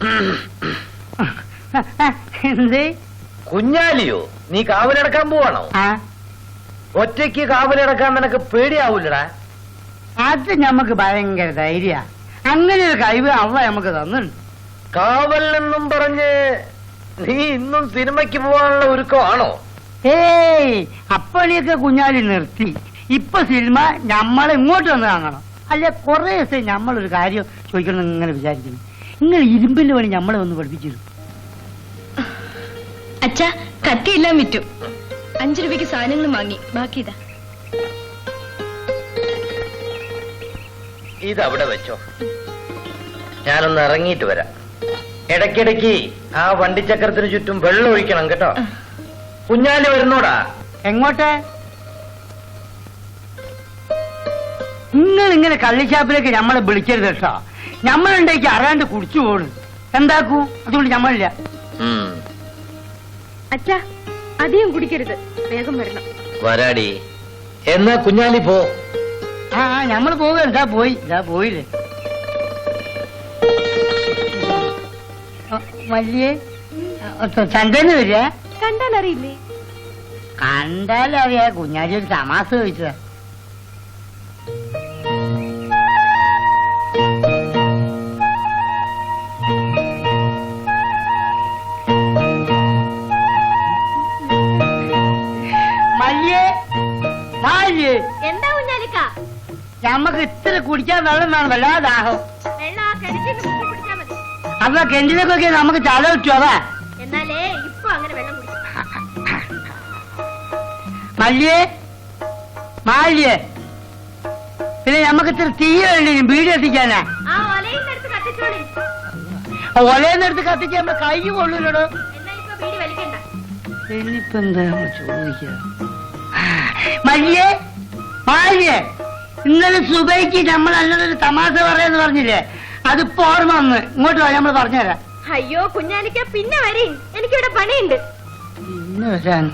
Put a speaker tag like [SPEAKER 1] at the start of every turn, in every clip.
[SPEAKER 1] എന്തേ
[SPEAKER 2] കുഞ്ഞാലിയോ? നീ കാവലടക്കാൻ പോവാണോ? ഒറ്റയ്ക്ക് കാവലടക്കാൻ നിനക്ക് പേടിയാവൂലടാ?
[SPEAKER 1] അത് ഞമ്മക്ക് ഭയങ്കര ധൈര്യ. അങ്ങനെ ഒരു കഴിവ് അവ നമുക്ക് തന്നിട്ടുണ്ട്.
[SPEAKER 2] കാവൽ എന്നും പറഞ്ഞ് നീ ഇന്നും സിനിമയ്ക്ക് പോവാനുള്ള ഒരുക്കമാണോ?
[SPEAKER 1] ഏയ്, അപ്പണിയൊക്കെ കുഞ്ഞാലി നിർത്തി. ഇപ്പൊ സിനിമ ഞമ്മളെ ഇങ്ങോട്ട് വന്ന് കാണണം. അല്ലെ കുറെ ദിവസം ഞമ്മളൊരു കാര്യം ചോദിക്കണം ഇങ്ങനെ വിചാരിക്കുന്നു. നിങ്ങൾ ഇരുമ്പിന്റെ പണി ഞമ്മളെ ഒന്ന് പഠിപ്പിച്ചിരുന്നു.
[SPEAKER 3] അച്ഛാ, കത്തിയെല്ലാം വിറ്റു. 5 രൂപയ്ക്ക് സാധനങ്ങൾ വാങ്ങി. ബാക്കി ഇതാ.
[SPEAKER 2] ഇതവിടെ വെച്ചോ, ഞാനൊന്ന് ഇറങ്ങിയിട്ട് വരാം. ഇടയ്ക്കിടയ്ക്ക് ആ വണ്ടിച്ചക്രത്തിന് ചുറ്റും വെള്ളം ഒഴിക്കണം കേട്ടോ. കുഞ്ഞാലി വരുന്നോടാ?
[SPEAKER 1] എങ്ങോട്ടെ? നിങ്ങൾ ഇങ്ങനെ കള്ളിച്ചാപ്പിലേക്ക് ഞമ്മളെ വിളിക്കരുത് കേട്ടോ. ഞമ്മളുണ്ടേക്ക് അറിയാണ്ട് കുടിച്ചു പോണു. എന്താക്കൂ? അതുകൊണ്ട് ഞമ്മളില്ല.
[SPEAKER 3] അച്ഛാ, അധികം കുടിക്കരുത്. വേഗം വരണം.
[SPEAKER 2] വരാടി. എന്നാ കുഞ്ഞാലി പോ.
[SPEAKER 1] ആ, ഞമ്മള് പോവുക. ഇതാ പോയില്ലേ. വലിയ ചന്തന്ന് വരിക.
[SPEAKER 3] കണ്ടാലറിയില്ലേ?
[SPEAKER 1] കണ്ടാലറിയാ. കുഞ്ഞാലി ഒരു തമാശ ചോദിച്ചതാ.
[SPEAKER 3] എന്താ കുഞ്ഞാലിക്ക?
[SPEAKER 1] ഞമ്മക്ക് ഇത്ര കുടിക്കാൻ വെള്ളം വേണം. വല്ലാതെ ദാഹം. അതാ കെന്റിനൊക്കെ നമുക്ക് ചാല കിട്ടും. അതാ
[SPEAKER 3] എന്നാലേ ഇപ്പൊ അങ്ങനെ വെള്ളം
[SPEAKER 1] മാലിയേ. പിന്നെ ഞമ്മക്ക് ഇത്ര തീ വേണ്ടി വീട് എത്തിക്കാനാ. ഒലയെന്നെടുത്ത് കത്തിക്കാൻ നമ്മള് കൈ കൊള്ളൂലോ. ഇനിയിപ്പോ എന്താ ചോദിക്ക? മാലിയേ, ഇന്നലെ സുബൈക്ക് നമ്മൾ നല്ലൊരു തമാശ പറയാന്ന് പറഞ്ഞില്ലേ? അതിപ്പോ ഓർമ്മ വന്ന്. ഇങ്ങോട്ട് വാ, നമ്മൾ പറഞ്ഞുതരാം.
[SPEAKER 3] അയ്യോ കുഞ്ഞാലിക്ക, പിന്നെ വരീ. എനിക്കിവിടെ പണിയുണ്ട്.
[SPEAKER 1] പിന്നെ വരാൻ.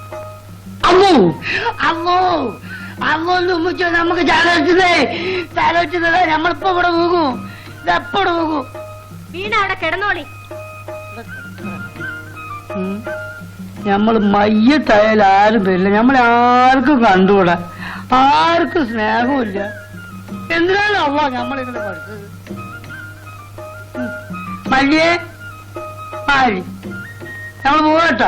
[SPEAKER 1] അമ്മോ ഉമ്മിച്ചോ, നമുക്ക് ചാലോചിച്ചതേ. നമ്മളിപ്പോ ഇവിടെ പോകും. ഇതെപ്പോടെ പോകും?
[SPEAKER 3] വീണ അവിടെ കിടന്നോളി.
[SPEAKER 1] നമ്മള് മയ്യത്തായാലും ആരും വരില്ല. നമ്മളാർക്കും കണ്ടുകൂടാ. ആർക്കും സ്നേഹമില്ല. എന്തിനാണ് അവ നമ്മളിങ്ങനെ പഠിച്ചത്? മല്ലിയേ, നമ്മൾ പോകട്ടോ.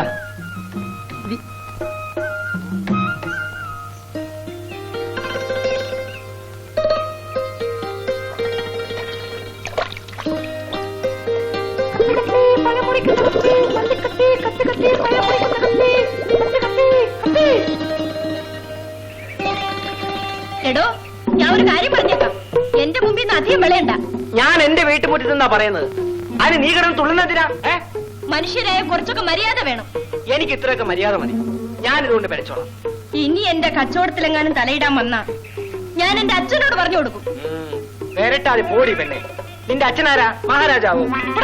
[SPEAKER 3] എടോ, ഞാൻ ഒരു കാര്യം പറഞ്ഞേക്കാം. എന്റെ മുമ്പിൽ നിന്ന് അധികം വിളയണ്ട.
[SPEAKER 4] ഞാൻ എന്റെ വീട്ടുമുറ്റത്തെന്നാ പറയുന്നത്. അതിന് നീ കിടന്ന് തുള്ളുന്നതിനാ?
[SPEAKER 3] മനുഷ്യരായ കുറച്ചൊക്കെ മര്യാദ വേണം.
[SPEAKER 4] എനിക്ക് ഇത്രയൊക്കെ മര്യാദ മതി. ഞാനിതുകൊണ്ട് പിഴച്ചോളാം.
[SPEAKER 3] ഇനി എന്റെ കച്ചവടത്തിലെങ്ങാനും തലയിടാൻ വന്നാ ഞാൻ എന്റെ അച്ഛനോട് പറഞ്ഞു കൊടുക്കും.
[SPEAKER 4] പേരട്ടാതി പോടി പെണ്ണെ. നിന്റെ അച്ഛനാരാ? മഹാരാജാവോ?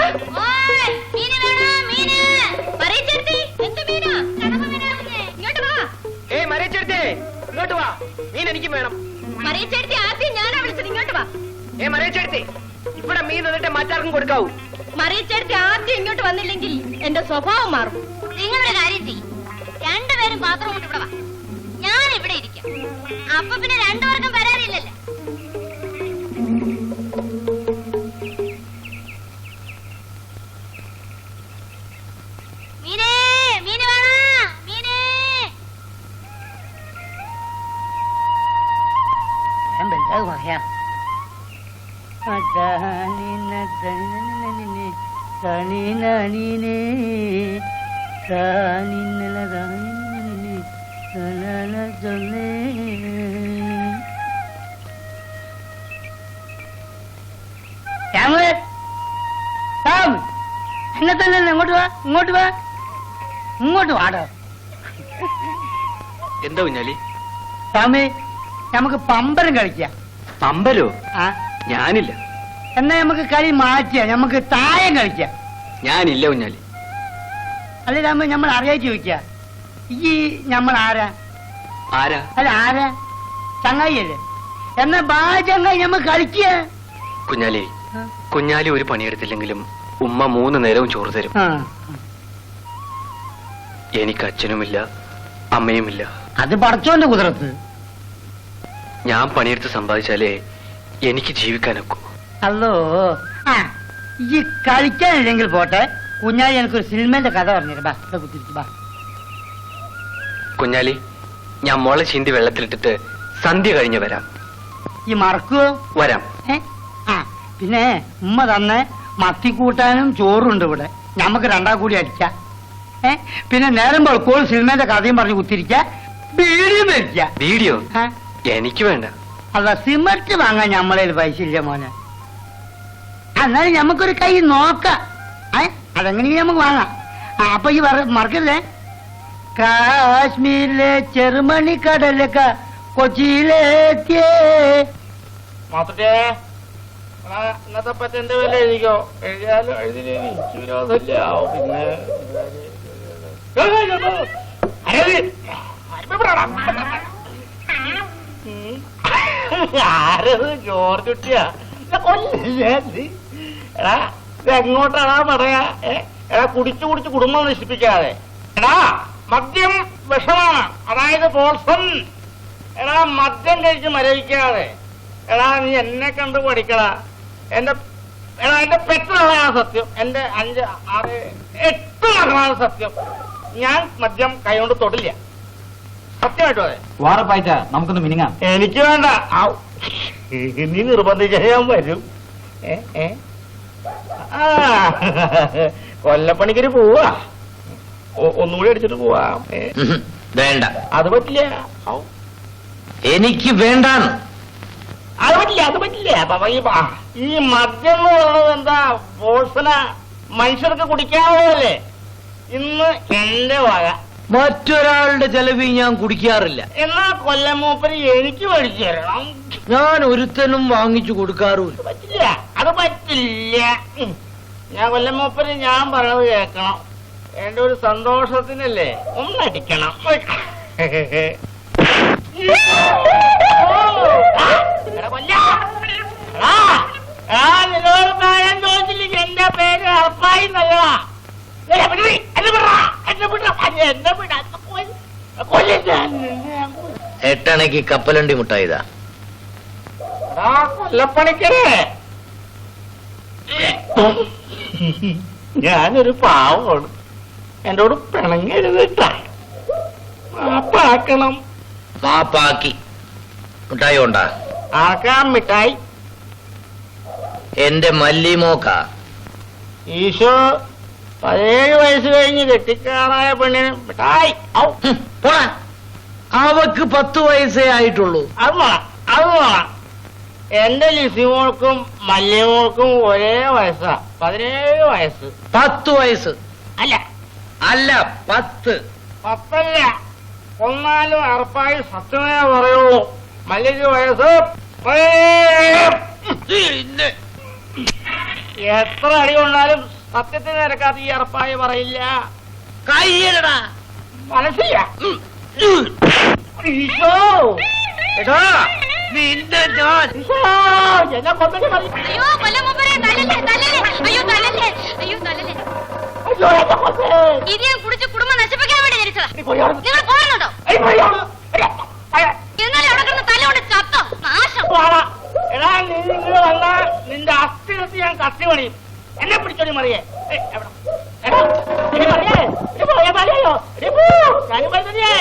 [SPEAKER 4] ഏയ് മറിയച്ചേർത്തേ, ഇങ്ങോട്ട് വാ. മീൻ എനിക്കും വേണം.
[SPEAKER 3] മറിയച്ചേർത്തി ആദ്യം ഞാനാ വിളിച്ചത്. ഇങ്ങോട്ട് വാ.
[SPEAKER 4] മറിയച്ചേർത്തേ, ഇവിടെ മീൻ തന്നിട്ട് മറ്റാർക്കും കൊടുക്കാവൂ.
[SPEAKER 3] മറിയച്ചേർത്തി ആദ്യം ഇങ്ങോട്ട് വന്നില്ലെങ്കിൽ എന്റെ സ്വഭാവം മാറും.
[SPEAKER 5] നിങ്ങളുടെ കാര്യം ചെയ്യും. രണ്ടുപേരും പാത്രം കൊണ്ട് ഇവിടെ വാ. ഞാൻ ഇവിടെ ഇരിക്കാം. അപ്പൊ പിന്നെ രണ്ടുപേർക്കും വരാറില്ലല്ലോ. മീനേ, മീന് വേണോ? മീനേ.
[SPEAKER 1] പറയാ. എന്നെ തന്നെ ഇങ്ങോട്ട് വാ, ഇങ്ങോട്ട് വാ, ഇങ്ങോട്ട് വാടോ.
[SPEAKER 4] എന്താ കുഞ്ഞാലി?
[SPEAKER 1] സ്വാമി, നമുക്ക് പമ്പരം കളിക്കാം.
[SPEAKER 4] പമ്പരോ? ഞാനില്ല.
[SPEAKER 1] എന്നാ നമുക്ക് കളി മാറ്റിയാ. നമുക്ക് തായം കളിക്കാം.
[SPEAKER 4] ഞാനില്ല കുഞ്ഞാലി.
[SPEAKER 1] അല്ലെ രാമ, നമ്മൾ അറിയാൻ ചോദിക്ക. ഈ നമ്മൾ ആരാ?
[SPEAKER 4] ആരാ?
[SPEAKER 1] അല്ല ആരാ? ചങ്ങായി അല്ലേ? എന്നാ ബാ ചങ്ങായി, നമ്മൾ കളിക്കുക.
[SPEAKER 4] കുഞ്ഞാലി, കുഞ്ഞാലി ഒരു പണിയെടുത്തില്ലെങ്കിലും ഉമ്മ 3 നേരവും ചോറ് തരും.
[SPEAKER 1] ആ.
[SPEAKER 4] എനിക്ക് അച്ഛനുമില്ല അമ്മയുമില്ല.
[SPEAKER 1] അത് പടച്ചോന്റെ കുതിരത്ത്.
[SPEAKER 4] ഞാൻ പണിയെടുത്ത് സമ്പാദിച്ചാലേ എനിക്ക് ജീവിക്കാനൊക്കൂ.
[SPEAKER 1] അല്ലോ ആ ഈ കളിക്കാനില്ലെങ്കിൽ പോട്ടെ, കുഞ്ഞാലി എനിക്കൊരു സിനിമന്റെ കഥ പറഞ്ഞിട്ട് ബാ ഇവിടെ കുത്തിരിക്കും ബാ.
[SPEAKER 4] കുഞ്ഞാലി, ഞാൻ മോളെ ചീന്തി വെള്ളത്തിലിട്ടിട്ട് സന്ധ്യ കഴിഞ്ഞ് വരാം.
[SPEAKER 1] ഈ മറക്കുവോ?
[SPEAKER 4] വരാം.
[SPEAKER 1] ആ പിന്നെ ഉമ്മ തന്നെ മത്തിക്കൂട്ടാനും ചോറുണ്ട് ഇവിടെ, ഞമ്മക്ക് 2 കൂടി അടിക്ക. പിന്നെ നേരം വെളുപ്പോൾ സിനിമന്റെ കഥയും പറഞ്ഞ് കുത്തിരിക്ക, ബീഡിയും വലിക്ക.
[SPEAKER 4] വീഡിയോ എനിക്ക് വേണ്ട.
[SPEAKER 1] അല്ല സിമന്റ് വാങ്ങാൻ ഞമ്മളെ പൈസ ഇല്ല മോനെ. എന്നാലും ഞമ്മക്കൊരു കൈ നോക്കാം. അതെങ്ങനെയും നമുക്ക് വാങ്ങാം. അപ്പൊ ഈ മറക്കല്ലേ, കാശ്മീരിലെ ചെറുമണി കടലൊക്കെ കൊച്ചിയിലെത്തിയേ.
[SPEAKER 2] ഇന്നത്തെ പറ്റന്റെ വില എഴുതിക്കോ. എഴുതിയാലും എഴുതിയില്ലേ എനിക്ക് വിരോധമില്ല. ആരത് ജോർജ് കുട്ടിയാ? എടാ ഇതെങ്ങോട്ടാടാ പറയാ? എടാ കുടിച്ചു കുടിച്ച് കുടുംബം നശിപ്പിക്കാതെ. എടാ മദ്യം വിഷമാണ്, അതായത് പോൾസൺ. എടാ മദ്യം കഴിച്ച് മരവിക്കാതെ. എടാ നീ എന്നെ കണ്ട് പഠിക്കടാ. എന്റെ പെറ്റതാണ് സത്യം. എന്റെ 5, 6, 8 മക്കളാണ് സത്യം. ഞാൻ മദ്യം കൈകൊണ്ട് തൊടില്ല, സത്യമായിട്ടും. അതെ
[SPEAKER 6] വാറപ്പായിട്ട നമുക്കൊന്ന് മിനിങ്ങാം.
[SPEAKER 2] എനിക്ക് വേണ്ട. നീ നിർബന്ധിച്ച ഞാൻ വരും. കൊല്ലപ്പണിക്കൊരു പോവാ, ഒന്നുകൂടി അടിച്ചിട്ട് പോവാം. വേണ്ട, അത് പറ്റില്ല.
[SPEAKER 7] എനിക്ക് വേണ്ടാന്ന്.
[SPEAKER 2] അത് പറ്റില്ല, അത് പറ്റില്ല. ഈ മദ്യം എന്ന് പറയുന്നത് എന്താ? പോൾസന മനുഷ്യർക്ക് കുടിക്കാവുന്നതല്ലേ? ഇന്ന് എന്റെ വക.
[SPEAKER 7] മറ്റൊരാളുടെ ചെലവിൽ ഞാൻ കുടിക്കാറില്ല.
[SPEAKER 2] എന്നാ കൊല്ലമൂപ്പര് എനിക്ക് മേടിച്ചു തരണം.
[SPEAKER 7] ഞാൻ ഒരുത്തനും വാങ്ങിച്ചു കൊടുക്കാറുമില്ല.
[SPEAKER 2] പറ്റില്ല, അത് പറ്റില്ല. ഞാൻ കൊല്ലമൂപ്പര് ഞാൻ പറയണത് കേൾക്കണം. എന്റെ ഒരു സന്തോഷത്തിനല്ലേ ഒന്നടിക്കണം. നിന്നോട് പറയാൻ ചോദിച്ചില്ല, എന്റെ പേര് അർപ്പായി നല്ലതാ.
[SPEAKER 7] എട്ടണയ്ക്ക് കപ്പലണ്ടി മുട്ടായിതാ.
[SPEAKER 2] കൊല്ലപ്പണിക്കരേ, ഞാനൊരു പാവമാണ്. എന്നോട് പിണങ്ങരുതിട്ടാ. മാപ്പാക്കണം.
[SPEAKER 7] മാപ്പാക്കി. മുട്ടായി കൊണ്ടാ?
[SPEAKER 2] ആക്കാം മിഠായി.
[SPEAKER 7] എന്റെ മല്ലിമോക്ക.
[SPEAKER 2] ഈശോ 17 വയസ്സ് കഴിഞ്ഞ് കെട്ടിക്കാറായ പെണ്ണിന് മിഠായി.
[SPEAKER 7] പോടാ, അവക്ക് 10 വയസ്സേ ആയിട്ടുള്ളൂ.
[SPEAKER 2] അത് വേണം, അത് വേണം. എന്റെ ലിസിമോൾക്കും മല്യമോൾക്കും ഒരേ വയസ്സാ, 17 വയസ്സ്.
[SPEAKER 7] 10 വയസ്സ്
[SPEAKER 2] അല്ല
[SPEAKER 7] അല്ല 10.
[SPEAKER 2] 10 കൊന്നാലും അറപ്പായി സത്യമേ പറയുള്ളൂ. മല്ലിക്ക് വയസ്സ് എത്ര അടി കൊണ്ടാലും സത്യത്തിന് നിരക്കാത്ത ഈ അറപ്പായി പറയില്ല.
[SPEAKER 7] കയ്യലടാ.
[SPEAKER 2] മനസ്സില്ല.
[SPEAKER 7] നിന്റെ ഞാൻ
[SPEAKER 2] എന്നെ കൊന്നിട്ട് മതി.
[SPEAKER 5] അയ്യോ കൊല്ലമൂപ്പരെ, തല്ലല്ലേ തല്ലല്ലേ, അയ്യോ തല്ലല്ലേ, അയ്യോ തല്ലല്ലേ.
[SPEAKER 2] അയ്യോ, എന്നെ കൊന്ന്.
[SPEAKER 5] ഇത് ഞാൻ കുടിച്ച് കുടുംബം നശിപ്പിക്കാൻ വേണ്ടി ജനിച്ചതാ.
[SPEAKER 2] നീ പോയി അവിടെ.
[SPEAKER 5] നിങ്ങൾ പോകുന്നുണ്ടോ? എന്നാലും അവിടെ കിടന്ന് തല്ലുകൊണ്ട് ചത്തോ നാശം.
[SPEAKER 2] എടാ നീ നിങ്ങൾ വന്നാ നിന്റെ അസ്ഥി കത്തി ഞാൻ കത്തി പണിയും. എന്നെ പിടിച്ചോടി മറിയേ. എടാ, ഇനി മറിയേ, ഇനി പോയാ മതിയല്ലോ. ഇനി പോ. ഞാനും വരുന്നേ.